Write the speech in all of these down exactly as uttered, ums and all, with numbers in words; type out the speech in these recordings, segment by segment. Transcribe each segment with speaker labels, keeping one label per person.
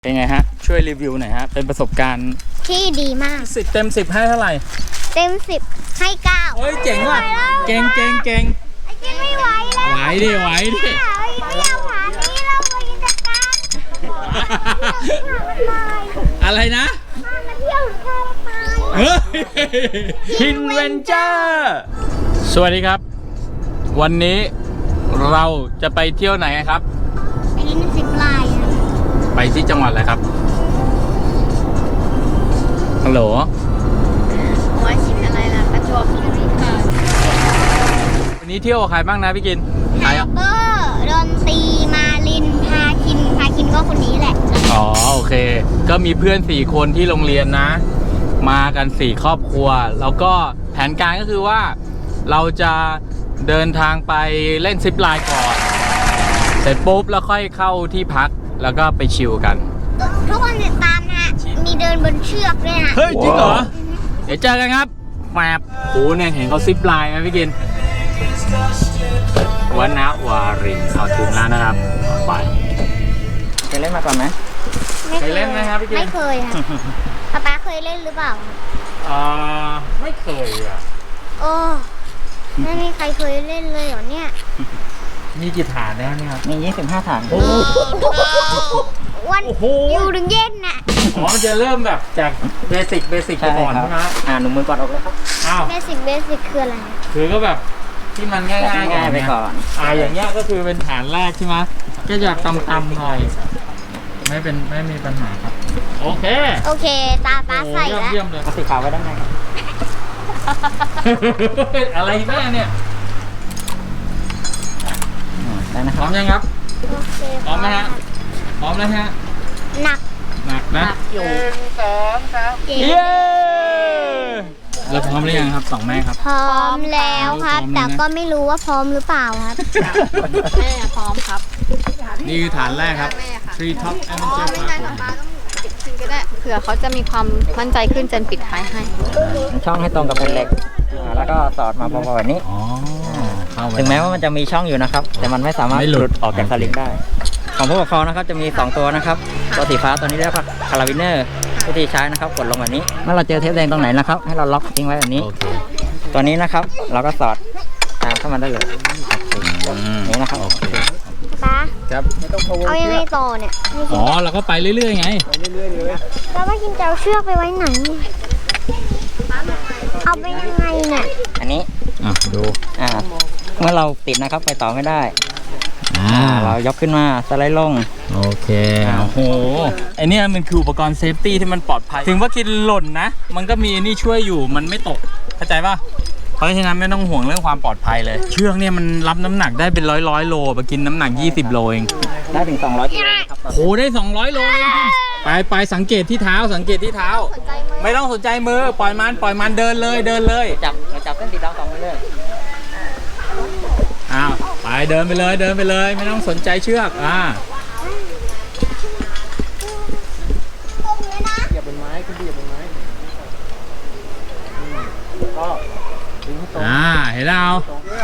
Speaker 1: เป็นไงฮะช่วยรีวิวหน่อยฮะเป็นประสบการณ์
Speaker 2: ที่ดีมาก
Speaker 1: สิบเต็มสิบให้เท่าไหร่
Speaker 2: เต็มสิบให้เก้า
Speaker 1: เฮ้ยเจ๋งว่ะเก่งเก่งเก่ง
Speaker 2: ไอ้เก่งไม่ไหวแล้ว
Speaker 1: ไหวดิไหวดิ
Speaker 2: เราหานี้เราไปจัดการ
Speaker 1: อะไรนะ
Speaker 2: มาเที่ยวข้าวตาย
Speaker 1: เฮ้ยฮินเวนเจอร์สวัสดีครับวันนี้เราจะไปเที่ยวไหนครับ
Speaker 2: ไปเล่นซิปไลน์
Speaker 1: ไปที่จังหวัดอะไรครับฮัลโหล
Speaker 2: หัวชิมอะไรล่ะประจวบคีรีขันธ์
Speaker 1: วันนี้เที่ยวกับใครบ้างนะพี่กิน
Speaker 2: ไฮเบอร์ดนตรีมาลินพาคินพาคินก็คนนี้แหละ
Speaker 1: อ๋อโอเคก็มีเพื่อนสี่คนที่โรงเรียนนะมากันสี่ครอบครัวแล้วก็แผนการก็คือว่าเราจะเดินทางไปเล่นซิปไลน์ก่อนเสร็จปุ๊บแล้วค่อยเข้าที่พักแล้วก็ไปชิลกัน
Speaker 2: ทุกคนติดตามนะฮะมีเดินบนเชือกด้วยนะ
Speaker 1: เฮ้ยจริงเหรอเดี๋ยวเจอกันครับแมบโอ้เนี่ยเห็นเขาซิปไลน์ไหมพี่กินวณวารินเอาถึงแล้วนะครับไปเคยเล่นมาก่อนไหมเคยเล่นไหมครับพี่กิน
Speaker 2: ไม่เคยค่ะป๊าป๊าเคยเล่นหรือเปล่า
Speaker 1: อ่าไม่เคยอ่ะ
Speaker 2: โอ้ไม่มีใครเคยเล่นเลยเหรอเนี่ย
Speaker 1: มีกี่ฐานแล้วเนี่ยครับมียี่สิบห้าฐานโอ้
Speaker 2: วันอยู่ถึงเย็นน่ะ
Speaker 1: อ๋อมันจะเริ่มแบบจากเบสิกเบสิกก่อนใช่ไหมอ่าหนูมือกอดออกเลยครับอ้าว
Speaker 2: เบสิกเบสิกคืออะไร
Speaker 1: คือก็แบบที่มันง่ายง่ายไปก่อนอ่าอย่างเงี้ยก็คือเป็นฐานแรกใช่ไหมก็อยากต่ำๆหน่อยไม่เป็นไม่มีปัญหาครับโอเค
Speaker 2: โอเคตาตาใส่แล้ว
Speaker 1: เยี่ยมเลยสีขาวไว้ด้านในครับอะไรแม่เนี่ยได้นะครับพร้อมยังครับพร้อมไหมฮะพร้อมแล้วฮะ
Speaker 2: หนัก
Speaker 1: หนักนะ
Speaker 2: อยู่สองสาม
Speaker 1: เย้แล้วพร้อมหรือยังครับสองแม่ครับ
Speaker 2: พร้อมแล้วครับแต่ก็ไม่รู้ว่าพร้อมหรือเปล่าครับ
Speaker 3: แม่พร้อมครับ
Speaker 1: นี่คือฐานแรกครับ Tree Top Adventure Park
Speaker 3: ก็ได้เผื่อเขาจะมีความมั่นใจขึ้นจนปิดท้ายให้
Speaker 4: ช่องให้ตรงกับเป็นเหล็กแล้วก็สอดมาพอๆแบบนี้ถึงแม้ว่ามันจะมีช่องอยู่นะครับแต่มันไม่สามารถหลุดออกจากสลิงได้ของผู้ปกครองนะครับจะมีสองตัวนะครับตัวสีฟ้าตัวนี้เรียกว่าคาราบิเนอร์วิธีใช้นะครับกดลงแบบนี้เมื่อเราเจอเทปแดงตรงไหนนะครับให้เราล็อกทิ้งไว้แบบนี้ตัวนี้นะครับเราก็สอดตามเข้ามาได้เลยนี่นะครับ
Speaker 2: ป้า
Speaker 1: ครับ
Speaker 2: เอายังไงต่อเนี่ย
Speaker 1: อ๋อเราก็ไปเรื่อยๆไง
Speaker 2: ไปเรื่อยๆเลยแล้วว่ากินจะเอาเชือกไปไว้ไหนเอาไปยังไงเนี่ย
Speaker 4: อันนี้
Speaker 1: อ่ะดู
Speaker 4: อ่าเมื่อเราติดนะครับไปต่อไม่ได้อ่าเรายกขึ้นมาสไลด์ลง
Speaker 1: โอเคโอ้โหไอเนี้ยมันคืออุปกรณ์เซฟตี้ที่มันปลอดภัยถึงว่ากินหล่นนะมันก็มีนี่ช่วยอยู่มันไม่ตกเข้าใจป่ะเพราะฉะนั้นไม่ต้องห่วงเรื่องความปลอดภัยเลยเชือกเนี่ยมันรับน้ำหนักได้เป็นร้อยร้อยโลไปกินน้ำหนักยี่สิบโลเอง
Speaker 4: ได้ถึงสองร้อยกิโลครับ
Speaker 1: โอ้ได้สองร้อยโลไปไปสังเกตที่เท้าสังเกตที่เท้าไม่ต้องสนใจมือปล่อยมันปล่อยมันเดินเลยเดินเลย
Speaker 4: จับจับเส้นสีดำสองมือเลย
Speaker 1: อ้าวไปเดินไปเลยเดินไปเลยไม่ต้องสนใจเชือกอ่า
Speaker 4: เหยียบบนไม้ขึ้นเหยียบบนไม้ก็
Speaker 1: อ่าเห็นแล้ว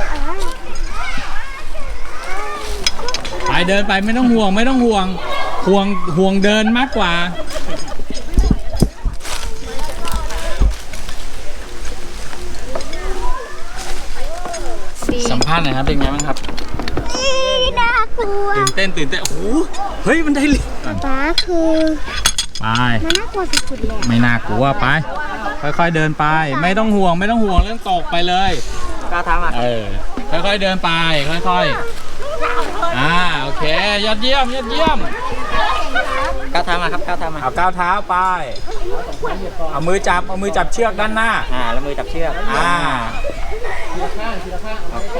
Speaker 1: ไปเดินไปไม่ต้องห่วงไม่ต้องห่วงห่วงห่วงเดินมากกว่าสัมภาษณ์หน่อยครับเป็นไงบ้างครับ
Speaker 2: น่ากลัว
Speaker 1: ตื่นเต้นตื่นเต้นโอ้โหเฮ้ยมันได้ลิฟต์
Speaker 2: ป้าคือ
Speaker 1: ไป
Speaker 2: มันน่ากลัวสุดๆเลย
Speaker 1: ไม่น่ากลัวไปค่อยๆเดินไปไม่ต้องห่วงไม่ต้องห่วงเรื่องตกไปเลย
Speaker 4: ก้าวเท้ามา
Speaker 1: เออค่อยๆเดินไปค่อยๆอ่าโอเคยอดเยี่ยมยอดเยี่ยม
Speaker 4: ก้าวเท้ามาครับก้าวเท้ามา
Speaker 1: เอาก้าวเท้าไปเอามือจับเอามือจับเชือกด้านหน้า
Speaker 4: อ่าแล้วมือจับเชือก
Speaker 1: อ่า
Speaker 4: ทีละข้างทีละข้างโอเค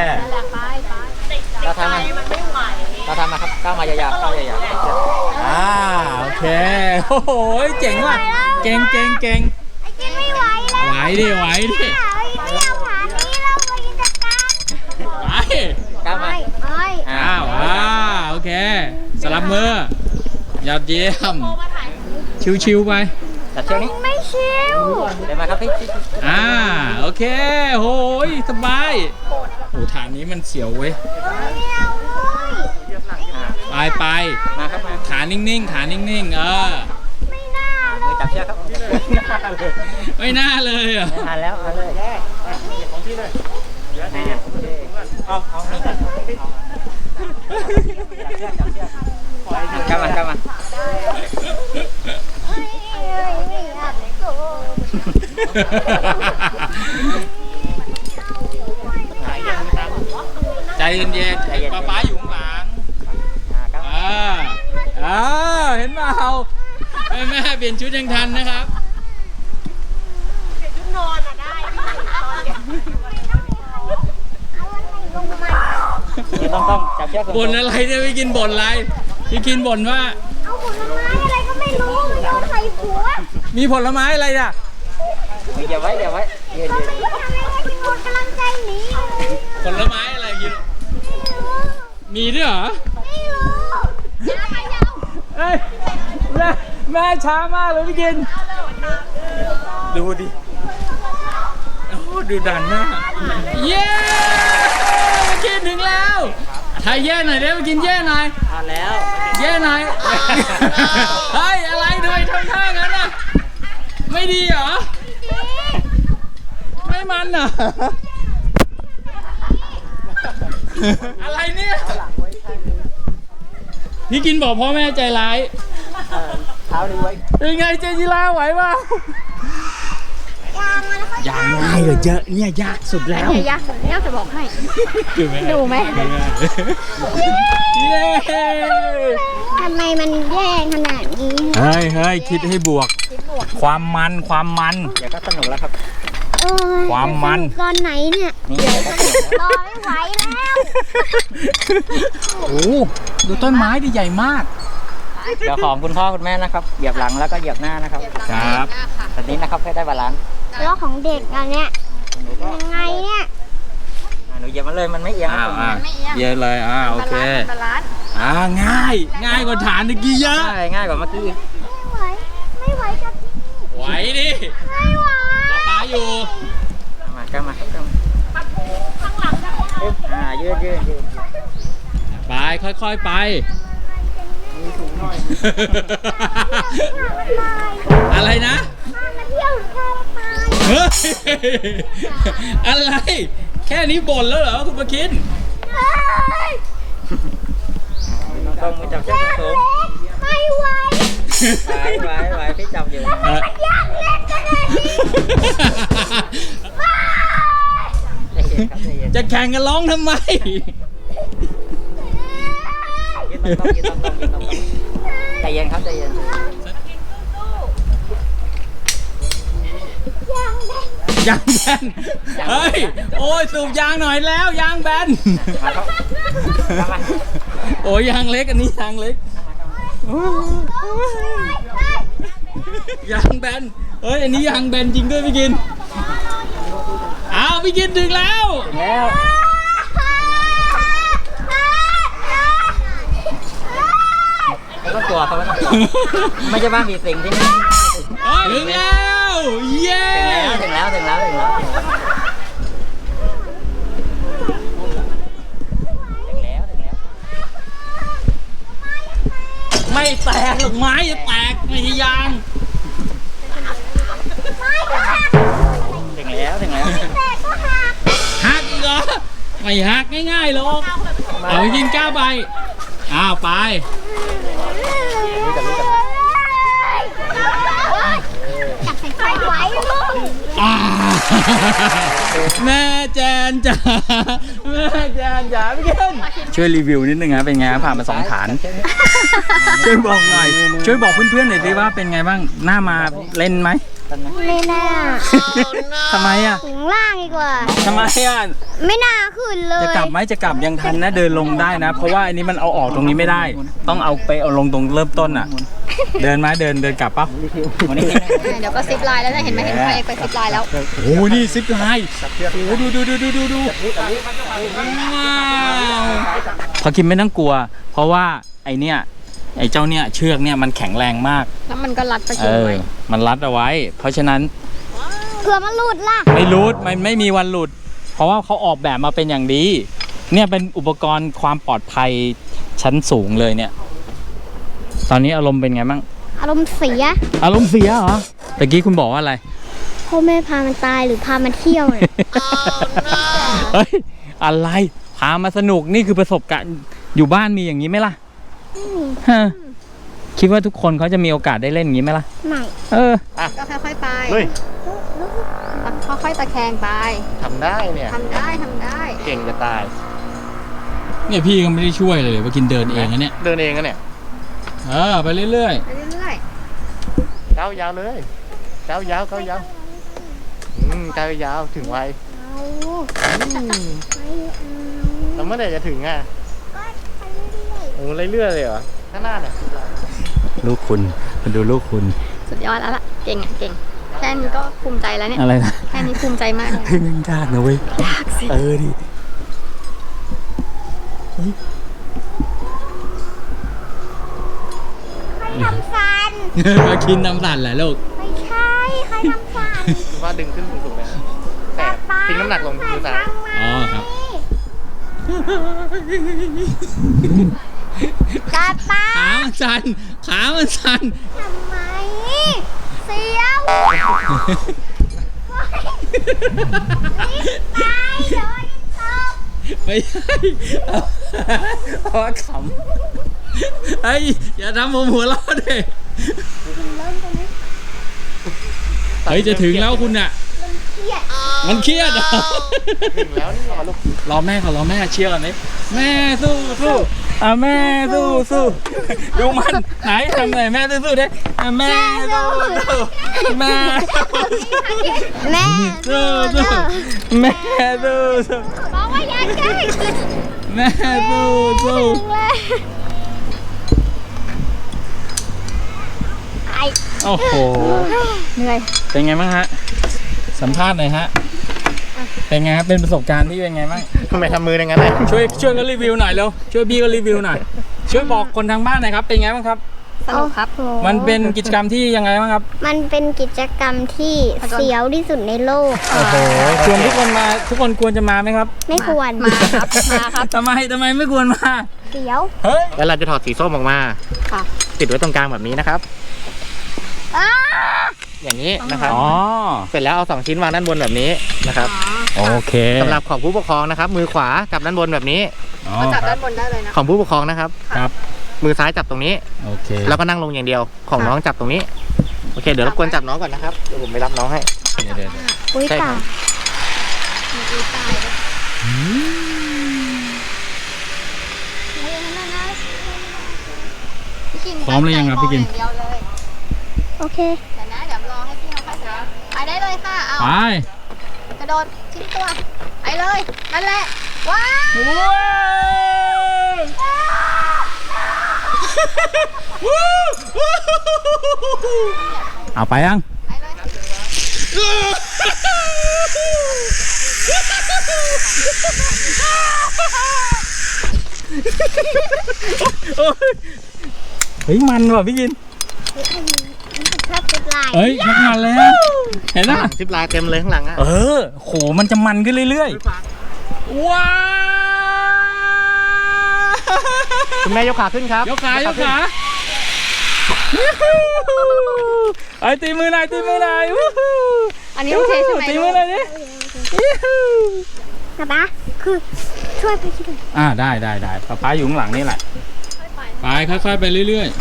Speaker 3: ก้าวเท้ามา
Speaker 4: ก้าวเท้ามาครับก้าวมายาวๆก้าวยาว
Speaker 1: ๆอ่าโอเคโอ้โหเจ๋งว่ะเก่งเก่งเก่ง
Speaker 2: ไม่ไหวแล้ว
Speaker 1: ไหวดิไหวดิ
Speaker 2: เราหานี้เราไปจัดการ
Speaker 1: ไป
Speaker 4: ก้าวมา
Speaker 1: อ้าวอ่าโอเคสลับมือยอดเยี่ยมชิวๆไป
Speaker 4: จับเชือกนี้
Speaker 2: ไม่ชิว
Speaker 4: เดินมาครับพี่
Speaker 1: อ่าโอเคโหยสบายโอ้ฐานนี้มันเสียวเว้ยไปไป
Speaker 4: มาครับมา
Speaker 1: ขานิ่งๆขานิ่งๆเออ
Speaker 2: ไม่น่า
Speaker 4: มือจับเชือกครับ
Speaker 1: ไม่น่าเลยอ่ะ
Speaker 4: ไม่ทันแล้วเอาเลยได้ของพี่เลยเอาเอานี่กันจับเชือกจับเชือกกลับมากลับมา
Speaker 2: เอ้ยเอ้ยไม่อยากโกรธ
Speaker 1: ใจเย็นๆป๊าป๊าอยู่ข้างหลัง อ่าอ่าเห็นเปล่าแม่แม่เปลี่ยนชุดยังทันนะครับ
Speaker 4: นี่ต้องต้องจับเชือก
Speaker 1: บ่นอะไรเนี่ยพี่กินบ่นอะไรพี่กินบ่นว่า
Speaker 2: เอาผลไม้อะไรก็ไม่รู้เอาใส่หัว
Speaker 1: มีผลไม้อะไรอ่ะ
Speaker 4: เดี๋ยวไว้เดี๋ยวไว้ยืนยืน
Speaker 2: ทำไมที่คนกำลังใจหนีอยู่
Speaker 1: ผลไม้อะไรกิน มีด้วยเหรอ
Speaker 2: ไม่รู้ยาวไปยาว
Speaker 1: เอ้ยแม่แม่ช้ามากเลยพี่กิน ดูดิ โอ้ดูดันมากเย้พี่กินถึงแล้วถ่ายแย่หน่อยเด้พี่กินแย่หน่อย
Speaker 4: ทานแล้ว
Speaker 1: แย่หน่อย เฮ้ยอะไรด้วยทำท่างั้นอ่ะ ไม่ดีเหรอ ไม่มันเหรอ อะไรเนี่ย พี่กินบอกพ่อแม่ใจร้าย
Speaker 4: เท้านี้ไว้
Speaker 1: เป็นไงเจจิราไหวเปล่า
Speaker 2: ยางมันแล้วก็
Speaker 1: ยางง่ายเลยเยอะเนี่ยยากสุดแล้ว
Speaker 3: อันนี้ยากสุดยากจะบอกให้ ดูไหม
Speaker 1: เย้
Speaker 2: ทำไมมันแย่ขนาดนี้
Speaker 1: เฮ้ยเฮ้ยคิดให้บวก ความมันความมัน
Speaker 4: เดี๋ยวก็สนุกแล้วครับ
Speaker 2: เออ
Speaker 1: ความมัน
Speaker 2: ตอนไหนเนี่ย
Speaker 4: นี่เดี๋ยวก็สนุกแล้ว
Speaker 2: รอไม่ไหวแล้ว
Speaker 1: โอ้ดูต้นไม้ดิใหญ่มาก
Speaker 4: เดี๋ยวของคุณพ่อคุณแม่นะครับเหยียบหลังแล้วก็เหยียบหน้านะครับ
Speaker 1: ครับ
Speaker 4: แบบนี้นะครับให้ได้บาลานซ์
Speaker 2: แล้วของเด็กอันเนี้ย
Speaker 4: หนูก็
Speaker 2: ยังไงเนี่ย
Speaker 4: อ่าหนูเหยียบมาเลยมันไม่เอียง
Speaker 1: อ้าว
Speaker 4: นะ
Speaker 1: อ้าวเยอะเลยอ่าโอเค
Speaker 3: บาลานซ์
Speaker 1: อ่าง่าย ง่ายกว่าฐานตะกี้เยอะ
Speaker 4: ใช่ง่ายกว่าเมื่อกี้
Speaker 2: ไม่ไหวไม่ไหวกับ
Speaker 1: ไหวดิ
Speaker 2: ไม่ไหว
Speaker 1: ป๊าป๊าอยู่
Speaker 4: เอามาก็มาครับก็มาอึ๊บอ่ายืดยืดยืด
Speaker 1: ไปค่อยๆไป อะไรนะ
Speaker 2: มาเที่ยวแค่ตาย
Speaker 1: เฮ้ยอะไร แค่นี้บ่นแล้วเหรอคุณประคิน
Speaker 2: เฮ้ย
Speaker 4: ต้องมือจับเชือกสูง
Speaker 2: ไม่ไหว
Speaker 4: ๆไหวไหวไหวพี่จับอยู่
Speaker 1: เอ่อ
Speaker 2: อยากเล่นกันเลยดิ
Speaker 4: ใจเย็นครับใจเย็น
Speaker 1: จะแข่งกันร้องทำไม
Speaker 4: ยืนตรงๆยืนตรงๆยืนตรงๆใจเย็นครับใจเย็น
Speaker 1: ยางแบน เฮ้ย โอ้ยสูบยางหน่อยแล้ว ยางแบน
Speaker 4: มาครับกลับมา
Speaker 1: โอ้ยยางเล็กอันนี้ยางเล็ก ยางแบน เฮ้ย อันนี้ยางแบนจริงด้วยพี่กิน อ้าวพี่กินถึงแล้ว
Speaker 4: ถึงแล้วไม่ต้องกลัวเขาไม่ต้องกลัวไม่ใช่บ้านผีสิงที่นี่
Speaker 1: ถึงแล้ว เย้
Speaker 4: ถึงแล้วถึงแล้วถึงแล้วถึงแล้วถึงแล้วถึงแล้ว
Speaker 1: ไม่แตกหรอกไม้จะแตกไม่ใช่ยาง
Speaker 4: ถึงแล้วถึงแล้ว
Speaker 1: หักอีกเหรอ ไม่หักง่ายๆหรอก เอาไปกินก้าวไป อ้าวไป
Speaker 2: จับใส่ไฟไหวลูก
Speaker 1: อ่าแม่แจนจ๋าแม่แจนจ๋าพี่เกนช่วยรีวิวนิดนึงนะเป็นไงผ่านมาสองฐาน ช่วยบอกหน่อย ช่วยบอกเพื่อนๆหน่อยสิว่าเป็นไงบ้างหน้ามาเล่นไหม
Speaker 2: ไม่น่า
Speaker 1: ทำไมอ่ะ
Speaker 2: ถึงล่างดีกว่า
Speaker 1: ทำไมอ่ะ
Speaker 2: ไม่น่าขึ้นเลย
Speaker 1: จะกลับไหมจะกลับยังทันนะเดินลงได้นะ เพราะว่าอันนี้มันเอาออกตรงนี้ไม่ได้ ต้องเอาไปเอาลงตรงเริ่มต้นอ่ะ เดินไหมเดินเดินกลับปะ
Speaker 4: วันนี้
Speaker 3: เดี๋ยวก็ซิปไลน์แล้วนะเห็นไหมเห็นใครไปซิปไลน์แล้ว
Speaker 1: โอ้โหนี่ซิปไลน์โอ้โหดูดูดูดูดูดูว้าวพอคิมไม่ต้องกลัว เพราะว่าไอเนี้ยไอเจ้าเนี้ยเชือกเนี่ยมันแข็งแรงมาก
Speaker 3: แล้วมันก็รัดไป
Speaker 1: เอ
Speaker 3: กิน
Speaker 1: อ
Speaker 3: ไว้
Speaker 1: มันรัดเอาไว้ เพราะฉะนั้น
Speaker 2: เผื่อมันหลุดล่ะ
Speaker 1: ไม่หลุดมันไม่มีวันหลุด เพราะว่าเขาออกแบบมาเป็นอย่างดี เนี่ยเป็นอุปกรณ์ความปลอดภัยชั้นสูงเลยเนี่ยตอนนี้อารมณ์เป็นไงบ้าง
Speaker 2: อารมณ์เสีย
Speaker 1: อารมณ์เสียเหรอตะกี้คุณบอกว่าอะไร
Speaker 2: พ่อแม่พามันตายหรือพามันเที่ยวเนี่ย
Speaker 1: เฮ้ยอะไรพามาสนุกนี่คือประสบการณ์อยู่บ้านมีอย่างนี้ไหมล่ะฮะคิดว่าทุกคนเขาจะมีโอกาสได้เล่นอย่างนี้ไหมล่ะ
Speaker 2: ไม่
Speaker 1: เออ
Speaker 3: ก็ค่อยๆไป
Speaker 5: เฮ้ย
Speaker 3: ค่อยๆตะแคงไป
Speaker 5: ทำได้เนี่ย
Speaker 3: ทำได้ทำได้
Speaker 5: เก่งจะตาย
Speaker 1: เนี่ยพี่ก็ไม่ได้ช่วยเลยว่ากินเดินเองนะเนี่ย
Speaker 5: เดินเองกันเนี่ย
Speaker 1: เออไปเรื่อย
Speaker 3: ไปเรื่อย
Speaker 5: เก้ายาวเลยเก้ายาวเก้ายาวอืมเก้ายาวถึงไว
Speaker 2: เอา
Speaker 5: อืม
Speaker 2: ไม่เอา
Speaker 5: แล้วเมื่อไหร่จะถึงอ่ะ
Speaker 2: ก็ไปเรื่อย
Speaker 5: โอ้เรื่อยๆเลยเหรอข้างหน้าเนี่ย
Speaker 1: ๆลูกคุณมาดูลูกคุณ
Speaker 3: ๆ สุดยอดแล้วล่ะ เก่งอ่ะเก่ง แค่นี้ก็ภูมิใจแล้วเนี่ย
Speaker 1: อะไรนะ
Speaker 3: แค่นี้ภูมิใจมากเลย
Speaker 1: เฮ้ยมันยากนะเว้ย
Speaker 3: ยากสิ
Speaker 1: เออดิ
Speaker 2: ใครทำฟัน
Speaker 1: มากินน้ำสั่นแหละลูก
Speaker 2: ไม่ใช่ ใครทำฟัน
Speaker 5: คุณว่าดึงขึ้นสูงๆเลยแต่ทิ้งน้ำหนักลงมือซ้าย
Speaker 1: อ๋อครับ
Speaker 2: กาป้า
Speaker 1: ขามันสั่นขามันสั่น
Speaker 2: ทำไม เสียวตายโดนตบ
Speaker 1: ไม่ใช่เอาเอาว่าขำไอ้ยอย่าทำผมหัวเราะดิเฮ้ยจะถึงแล้วคุณน่ะ
Speaker 2: เครียด
Speaker 1: มันเครียดเหรอ
Speaker 5: ถึงแล้วนี่รอลูก
Speaker 1: รอแม่ก่อนรอแม่เชียร์ก่อนดิแม่สู้สู้อ่ะแม่สู้สู้ดูมันไหนทำไหนแม่สู้สู้ดิอ่ะแม่สู้สู้แม่
Speaker 2: แม่
Speaker 1: สู้สู้แม่สู้สู้
Speaker 2: บอกว่าอย่าใกล้
Speaker 1: แม่สู้สู้
Speaker 2: เลย ไอ
Speaker 1: โอ้โห
Speaker 3: เหนื่อย
Speaker 1: เป็นไงบ้างฮะสัมภาษณ์หน่อยฮะเป็นไงครับเป็นประสบการณ์ที่เป็นไงบ้าง
Speaker 5: ทำไมทำมืออย่างนั้นเลย
Speaker 1: ช่วยช่วยกันรีวิวหน่อยเร็วช่วยพี่ก็รีวิวหน่อยช่วยบอกคนทางบ้านหน่อยครับเป็นไงบ้างครับ
Speaker 3: สนุกครับ
Speaker 1: มันเป็นกิจกรรมที่ยังไงบ้างครับ
Speaker 2: มันเป็นกิจกรรมที่เสียวที่สุดในโลก
Speaker 1: โอ้โหชวนทุกคนมาทุกคนควรจะมาไหมครับ
Speaker 2: ไม่ควร
Speaker 3: มาครับ มาครับ
Speaker 1: ทำไมทำไมไม่ควรมา
Speaker 2: เสียว
Speaker 1: เฮ้ย
Speaker 5: แล้วเราจะถอดสีส้มออกมา
Speaker 3: ค่ะ
Speaker 5: ติดไว้ตรงกลางแบบนี้นะครับ
Speaker 2: อ้า
Speaker 5: อย่างนี้นะครับ
Speaker 1: อ๋อ
Speaker 5: เสร็จแล้วเอาสองชิ้นวางด้านบนแบบนี้นะครับ
Speaker 1: โอเค
Speaker 5: สำหรับของผู้ปกครองนะครับ มือขวาจับด้านบนแบบนี้
Speaker 1: อ๋อ
Speaker 3: ก็จับ
Speaker 1: ครั
Speaker 3: ด้า
Speaker 1: บ
Speaker 3: นบนได้เลยนะ
Speaker 5: ของผู้ปกครองนะครับ
Speaker 1: ครับ
Speaker 5: มือซ้ายจับตรงนี้
Speaker 1: โอเค
Speaker 5: แล้วก็นั่งลงอย่างเดียวของน้องจับตรงนี้ โอเค เดี๋ยวรบกวนจับน้องก่อนนะครับ เดี๋ยวผมไปรับน้องให้
Speaker 1: เดี๋ยวเดี๋ยวเดี๋ยว
Speaker 2: อุ้ย
Speaker 5: ใช่ครั
Speaker 2: ตา
Speaker 5: บ
Speaker 3: มีตายเลย พี่กิน
Speaker 1: พร้อมหรือยังครับพี่กิน
Speaker 3: ตั้งใจมองอย่างเดียวเลย
Speaker 2: โอเค
Speaker 3: เดี๋ยวนะเดี๋ยวรอให้พี่เขาค่อยๆไปได้เลยค่ะ เอา
Speaker 1: ไป
Speaker 3: กระโดดทิ้งตัว ไปเลย นั่นแหละ ว้าว
Speaker 1: เอาไปยัง
Speaker 3: ไปเลย
Speaker 1: เฮ้ยมันว่ะพี่กิน
Speaker 2: ชอบติดลาย
Speaker 1: เฮ้ยชักมันเลยอะเห็น
Speaker 5: ข้าง
Speaker 1: ปะ
Speaker 5: หลังซิปลายเต็มเลยข้างหลังอ่ะ
Speaker 1: เออโหมันจะมันขึ้นเรื่อยๆว้าว
Speaker 5: คุณแม่ยกขาขึ้นครับ
Speaker 1: ยกขายกขาไอ้ตีมือหน่อยตีมือหน่อยวู้ฮู้
Speaker 3: อันนี้โอเคใช่ไหม
Speaker 1: ตี
Speaker 3: ลู
Speaker 1: มือก หน่อยดิยูฮู
Speaker 2: นะปะคือช่วยไปช่วย
Speaker 1: อ่าได้ได้ได้ป๊าป๊าอยู่ข้างหลังนี่แหละไปค่อยๆไปเรื่อย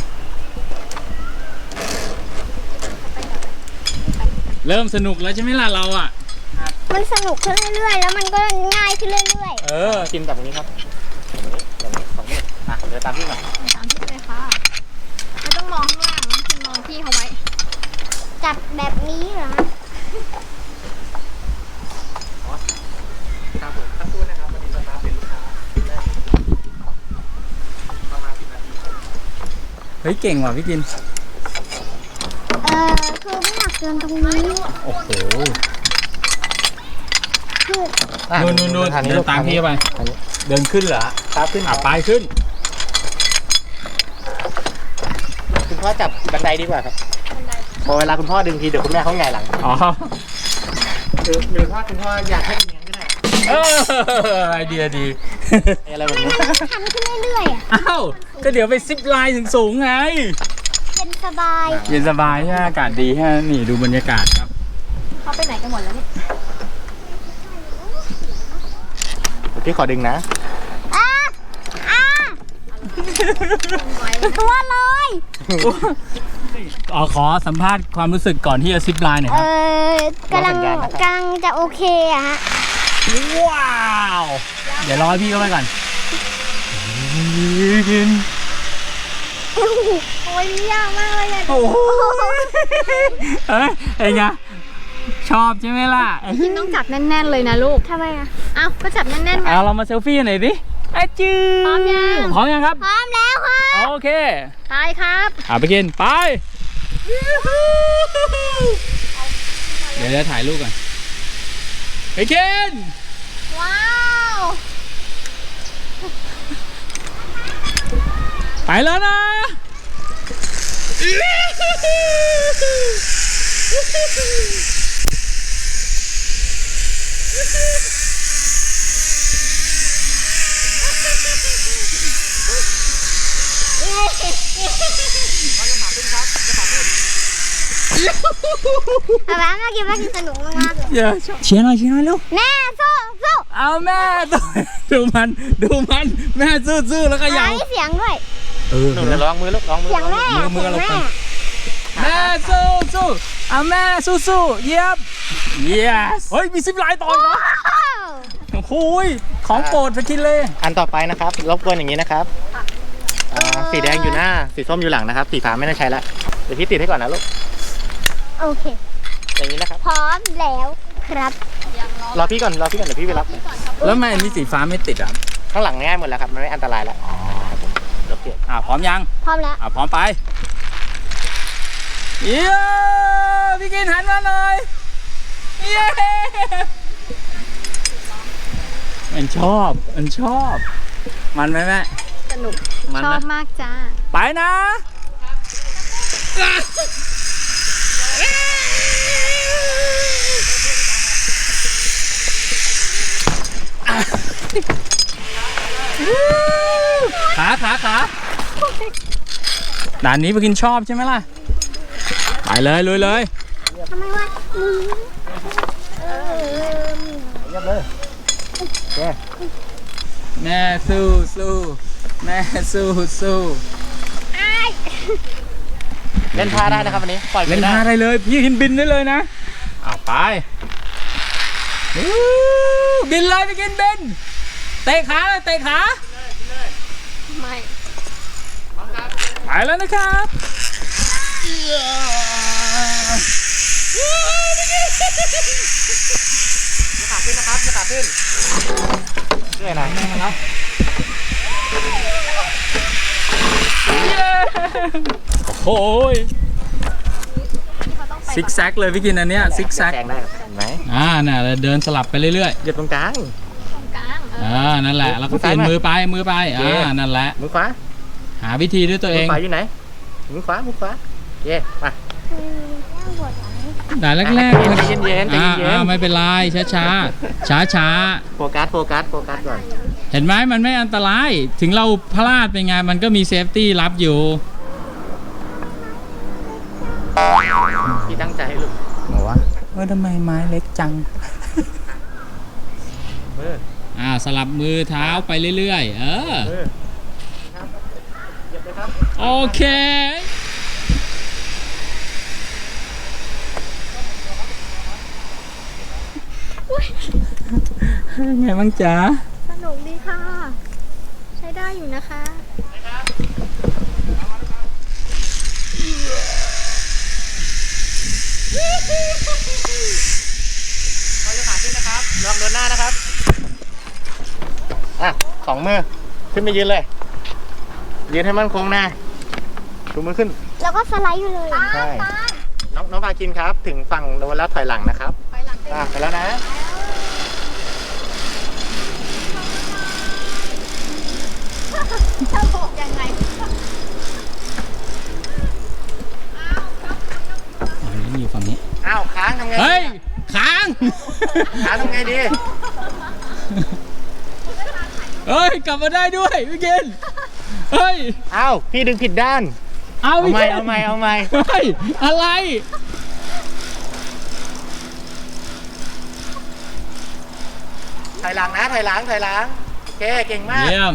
Speaker 1: ๆเริ่มสนุกแล้วใช่ไหมล่ะเราอ่ะ
Speaker 2: มันสนุกขึ้นเรื่อยๆ แล้วมันก็ง่ายขึ้นเรื่อย
Speaker 1: เออ
Speaker 5: กินจับตรงนี้ครับอย่างนี้สองนิ้วอ่ะเดี๋ยวตามพี่มา
Speaker 3: ตามที่เลยค่ะไม่ต้องมองข้างล่างนะคุณมองพี่เขาไว้
Speaker 2: ๆ จับแบบนี้เหรอ
Speaker 5: ครับผมตั้งตู้นะครับวันนี้สตาร์ทเป็นลูกค้าประมาณสิบนาที
Speaker 1: เฮ้ยเก่งว่ะพี่กิน
Speaker 2: เออคือไม่อยากเดินตรงนี้
Speaker 1: โอ้โห
Speaker 2: คือ
Speaker 5: อ่ะ
Speaker 1: นู่นนู่นนู่น
Speaker 5: ทางนี้
Speaker 1: เดิ
Speaker 5: ลู
Speaker 1: น
Speaker 5: ก
Speaker 1: ตามพี่ไป
Speaker 5: ทางนี้
Speaker 1: เดินขึ้นเหรอ
Speaker 5: ครับขึ้น
Speaker 1: อ่ะไปขึ้น
Speaker 5: คุณพ่อจับบันไดดีกว่าครับพอเวลาคุณพ่อดึงทีเดี๋ยวคุณแม่เขาหงายหลัง
Speaker 1: อ๋อ
Speaker 5: หรือหรือถ้าคุณพ่ออยากให้เป็นอย่างนั้นก็ได้
Speaker 1: เออไอเดียดี
Speaker 5: อะไรแบบนี้
Speaker 2: ทำขึ้นเรื่อยๆอ่ะ
Speaker 1: อ้าวก็เดี๋ยวไปซิปไลน์ถึงสูงไง
Speaker 2: เย็นสบาย
Speaker 1: เย็นสบายใช่ไหมอากาศดีฮะนี่ดูบรรยากาศครับ
Speaker 3: เขาไปไหนกันหมดแล้วเนี่ย
Speaker 5: พี่ขอดึงนะ
Speaker 2: อ่ะอ่ะตัวลอย
Speaker 1: อ๋อขอสัมภาษณ์ความรู้สึกก่อนที่จะซิปไลน์หน่อย
Speaker 2: เอ
Speaker 1: ครับ
Speaker 2: อกำลังกำลังจะโอเคอะฮะ
Speaker 1: ว้าว เดี๋ยวรอให้พี่เข้าไปก่อนกิน
Speaker 3: โอ้ยนี่ยากมากเลยอ่ะ
Speaker 1: โอ้โหเฮ้ยไอ้ไงชอบใช่ไหมล่ะ
Speaker 3: คิมต้องจับแน่นๆเลยนะลูก
Speaker 2: ทำไมอะ
Speaker 3: เอ้าก็จับแน่นๆไง
Speaker 1: เอาเรามาเซลฟี่หน่อยดิอาจือ
Speaker 3: พร้อมยัง
Speaker 1: พร้อมยังครับ
Speaker 2: พร้อมแล้วค่ะ
Speaker 1: โอเค
Speaker 3: ไปครับ
Speaker 1: อ่ะไปกินไป เดี๋ยวจะถ่ายรูปก่อนไปกิน
Speaker 3: ว้าว
Speaker 1: ไปแล้วนะ
Speaker 2: ป๊าป๊าเมื่อกี้เมื่อกี้สนุกมากๆเลย
Speaker 1: เดี๋ยวเชียร์หน่อยเชียร์หน่อยเร็ว
Speaker 2: แม่สู้สู้
Speaker 1: เอาแม่ตัวดูมันดูมันแม่ซื่อๆแล้วก็ยาว
Speaker 2: ไอ้เสียงด้วย
Speaker 1: เออ
Speaker 5: หนูลองมือลูกลองมือ
Speaker 2: เสียงแม่
Speaker 1: มือมือ
Speaker 2: เสียง
Speaker 1: เรา
Speaker 2: แม่
Speaker 1: ฟัง แม่สู้สู้เอาแม่สู้สู้เยียบ yes เฮ้ยมีซิปไลน์ต่ออีกเหรอโอ้โหยของโปรดสกินเลย
Speaker 5: อันต่อไปนะครับรบกวนอย่างนี้นะครับอ่าสีแดงอยู่หน้าสีส้มอยู่หลังนะครับสีฟ้าไม่ได้ใช้ละเดี๋ยวพี่ติดให้ก่อนนะลูก
Speaker 2: โอเค
Speaker 5: อย่างนี้นะครับ
Speaker 2: พร้อมแล้วครับ
Speaker 5: รอพี่ก่อนรอพี่ก่อนเดี๋ยวพี่ไปรับ
Speaker 1: แล้วทำไมอันนี้สีฟ้าไม่ติดอ่ะ
Speaker 5: ข้างหลังง่ายหมดแล้วครับมันไม่อันตรายแล้วโอเค
Speaker 1: อ่าพร้อมยัง
Speaker 2: พร้อมแล้ว
Speaker 1: อ่าพร้อมไปเย้พี่กินหันมาหน่อยเย้มันชอบมันชอบ มันไหมแม่
Speaker 3: สนุก
Speaker 1: มัน
Speaker 3: ชอ
Speaker 1: นะ
Speaker 3: บมากจ้า
Speaker 1: ไปนะ ขาขาขาด่านนี้ไปกินชอบใช่ไหมล่ะ ไปเลยลุยเลย
Speaker 2: ทำไมวะอืมเออ
Speaker 5: เรียบเลยโอเค
Speaker 1: แม่สู้สู้แม่สู้สู้
Speaker 2: อ้าย
Speaker 5: เล่นท่าได้นะครับวันนี้ปล่อย
Speaker 1: เล่น
Speaker 5: ไม่ได้
Speaker 1: ท่าได้เลย พี่กินบินได้เลยนะเอาไปอู้บินเลยไปกินบินเตะขาเลยเตะขา
Speaker 3: ไม่
Speaker 1: ไปแล้วนะครับ
Speaker 5: ยกขาขึ้นนะครับยกขาขึ้นเรื่อยนะ
Speaker 1: โอ้ยซิกแซกเลยพี่กินอันเนี้ยซิกแซก
Speaker 5: แซงได้ครับเห็นไหม
Speaker 1: อ่าน่ะเราเดินสลับไปเรื่อย
Speaker 5: หยุดตรงกลาง
Speaker 3: ตรงกลางเออ
Speaker 1: ๆอ่านั่นแหละแล้วก็เปลี่ยนมือไปมือไปอ่านั่นแหละ
Speaker 5: มือขวา
Speaker 1: หาวิธีด้วยตัวเอ
Speaker 5: มือง ขวาอยู่ไหนมือขวามือขวาเย่มา
Speaker 1: ด่านแรกๆ
Speaker 5: ใจเย็นๆใจ
Speaker 1: อ่า
Speaker 5: เย็น
Speaker 1: อ่าไม่เป็นไรช้าช้าช้าช้า
Speaker 5: ๆโฟกัสโฟกัสโฟกัสก่อน
Speaker 1: ๆเห็นไหมมันไม่อันตรายถึงเราพลาดไปไงมันก็มีเซฟตี้รับอยู่
Speaker 5: พี่ตั้งใจให้ลูก
Speaker 1: บอกว่าเออทำไมไม้เล็กจัง
Speaker 5: เออ
Speaker 1: อ่าสลับมือเท้าไปเรื่อยๆเออ
Speaker 5: เออครับเหยียบเลยครับ
Speaker 1: โอเคไงบ้างจ๊ะ
Speaker 3: สนุกดีค่ะ ใช้ได้อยู่นะคะ
Speaker 5: เขาจะขาขึ้นนะครับลองเดินหน้านะครับอ่ะสองมือขึ้นไปยืนเลยยืนให้มั่นคงนะชูมือขึ้น
Speaker 2: แล้วก็สไลด์อยู่เลย
Speaker 5: ใช่น้องน้องพากินครับถึงฝั่งโน้นแล้วถอยหลังนะครับ
Speaker 3: ไปหลังเต็ม
Speaker 5: อ่ะไปแล้วนะ
Speaker 3: จะบอกยังไง
Speaker 1: อ๋อนี่อยู่ฝั่งนี้
Speaker 5: อ้าวค้างทำไง
Speaker 1: เฮ้ยค้าง
Speaker 5: ค้างทำไงดี
Speaker 1: คเฮ้ย กลับมาได้ด้วยพี่เกณฑ์เฮ้ย
Speaker 5: เอ้าพี่ดึงผิดด้าน
Speaker 1: เอา
Speaker 5: เอา
Speaker 1: พี่
Speaker 5: ไหม
Speaker 1: เกณฑ์
Speaker 5: เอาไหมเอาไหม
Speaker 1: เฮ้ย อะไร
Speaker 5: ถอยหลังนะถอยหลังถอยหลังโอเคเก่งมาก
Speaker 1: เยี่ยม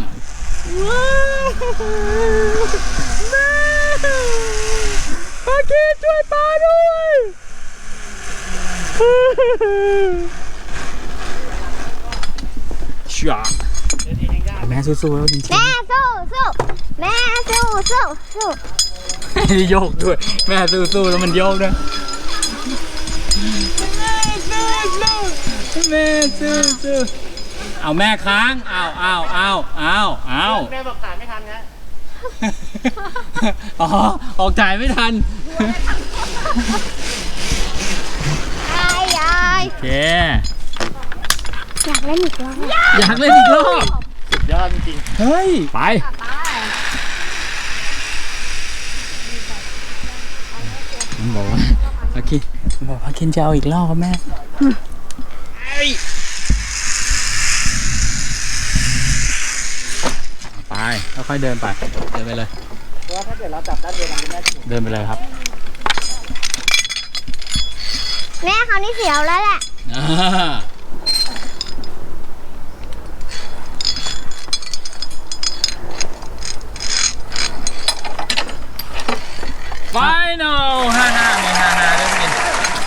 Speaker 1: ปากีช่วยปลาด้วยชาแม่สู้ๆแล้วจริง
Speaker 2: แม่สู้สู้แม่สู้สู้สู้
Speaker 1: ๆโยกด้วย แม่สู้ๆแล้วมันโยกด้วยแม่สู้ๆเอาแม่ค้างเอาเอาเอาเอาเอา
Speaker 5: แม่บอกถ่ายไม่ทันนะ
Speaker 1: อ๋อ ออกจ่ายไม่ทัน
Speaker 2: ยายยาย
Speaker 1: โอเค
Speaker 2: อยากเล่นอีกรอบ
Speaker 1: อยากเล่นอีกรอบ
Speaker 5: ยอดจริง
Speaker 1: เฮ้ย ไป มันบอกว่าโอเคมันบอกว่าเคนจะเอาอีกรอบครับแม่ไปค่อยๆเดินไป เดินไปเลย
Speaker 5: ๆเพราะว่าถ้าเกิดเราจับด้านเดียวกันจะแม่ถึง
Speaker 1: เดินไปเลยครับ
Speaker 2: แม่เขาวนี่เสียวแล้วแหละ
Speaker 1: อ่าไฟนอลห้าห้ามีห้าห้าด้วยกิน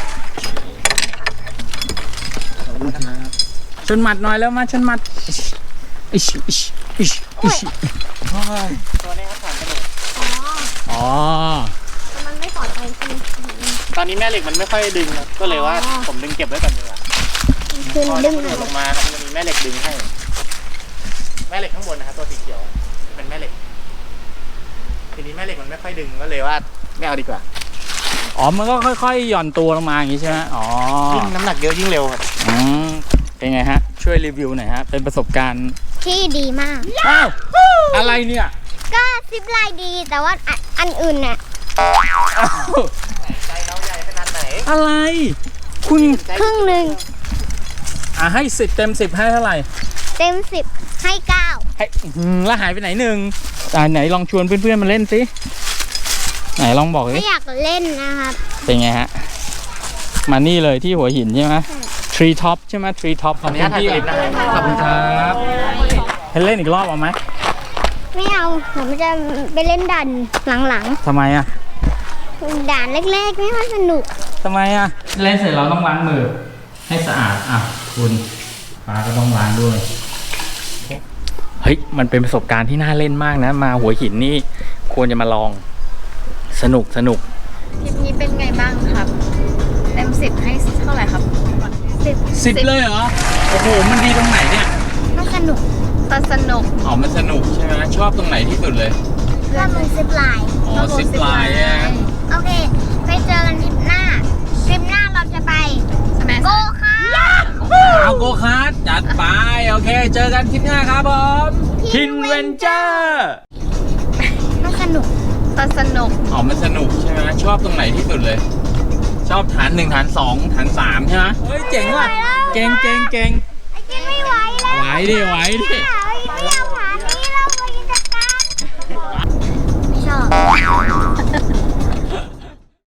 Speaker 1: ชนหมัดหน่อยแล้วมาชนหมัดอิชอิชอิชอิช
Speaker 5: ตัวนี้ครับผ่านกระโดด
Speaker 1: อ๋อ
Speaker 2: แต่มันไม่ปลอดภัยใช่ไหม
Speaker 5: ตอนนี้แม่เหล็กมันไม่ค่อยดึงก็เลยว่าผมดึงเก็บไว้ก่อนดีกว่า
Speaker 2: คือ
Speaker 5: พอ
Speaker 2: ดึง
Speaker 5: กระโดดลงมาครับมันจะมีแม่เหล็กดึงให้ แม่เหล็กข้างบนนะครับตัวสีเขียวเป็นแม่เหล็ก ทีนี้แม่เหล็กมันไม่ค่อยดึงก็เลยว่าไม่เอาดีกว่า
Speaker 1: อ๋อ มันก็ค่อยๆหย่อนตัวลงมาอย่างนี้ใช่ไหมอ๋อ
Speaker 5: ยิ่งน้ำหนักเยอะยิ่งเร็วครับ
Speaker 1: อืมเป็นไงฮะ ช่วยรีวิวหน่อยฮะ เป็นประสบการณ์
Speaker 2: ที่ดีมาก
Speaker 1: อ้าว อะไรเนี่ย
Speaker 2: ก็ซิปไลน์ดีแต่ว่าอันอันอื่นน่ะ
Speaker 1: อ้าว
Speaker 5: ใจเราใหญ่ขนาดไหน
Speaker 1: อะไร คุณ
Speaker 2: ครึ่งหนึ่ง
Speaker 1: อ่ะให้สิบเต็มสิบให้เท่าไหร่
Speaker 2: เต็มสิบให้เก้า
Speaker 1: ให้อื้อหือแล้วหายไปไหนหนึ่งอ่าไหนลองชวนเพื่อนๆมาเล่นสิ ไหนลองบอกดิ
Speaker 2: ไม่อยากเล่นนะครับ
Speaker 1: เป็นไงฮะ มานี่เลยที่หัวหินใช่ไหมทรีท็อปใช่ไหมทรีท็อปขอบคุณพี่ ขอบคุณครับให้เล่นอีกรอบเอาไหม
Speaker 2: ไม่เอาผมจะไปเล่นด่านหลัง
Speaker 1: ทำไมอ่ะ
Speaker 2: ๆด่านแรกๆไม่ค่อยสนุก
Speaker 1: ทำไมอ่ะ เล่นเสร็จเราต้องล้างมือ ให้สะอาด อ่ะ คุณปลาก็ต้องล้างด้วย เฮ้ย มันเป็นประสบการณ์ที่น่าเล่นมากนะ มาหัวหินนี่ควรจะมาลอง สนุกสนุก
Speaker 3: ทริปนี้เป็นไงบ้างครับ เต็มสิบให้เท่าไหร่ครับ
Speaker 2: สิบ
Speaker 1: สิบเลยเหรอ โอ้โห มันดีตรงไหนเนี่ย
Speaker 2: มันสนุก
Speaker 3: แต่สนุก
Speaker 1: อ๋อ มันสนุกใช่ไหมชอบตรงไหนที่สุดเลย
Speaker 2: ถ้ามันซิปไลน์
Speaker 1: อ๋อซิปไลน์อ่ะ
Speaker 2: โอเค ไปเจอกันทริปหน้าทริปหน้าเราจะไป
Speaker 3: ใช่ไหม
Speaker 2: โกคาร์ท
Speaker 1: เอาโกคาร์ทจัดไป โอเค เจอกันคลิปหน้าครับผมคินเวนเจอร์
Speaker 2: มันสนุก
Speaker 3: แต่สนุก
Speaker 1: อ๋อ มันสนุกใช่ไหมชอบตรงไหนที่สุดเลย ชอบฐานหนึ่งฐานสองฐานสามใช่ไหมเฮ้ย เจ๋งว่ะ เก่งเก่งเก่ง
Speaker 2: ไอ้กินไม่ไหวแล้ว
Speaker 1: ไหวดิไหวดิ
Speaker 2: ไม่เอาฐานนี้เราไปจัดการไม่ชอบ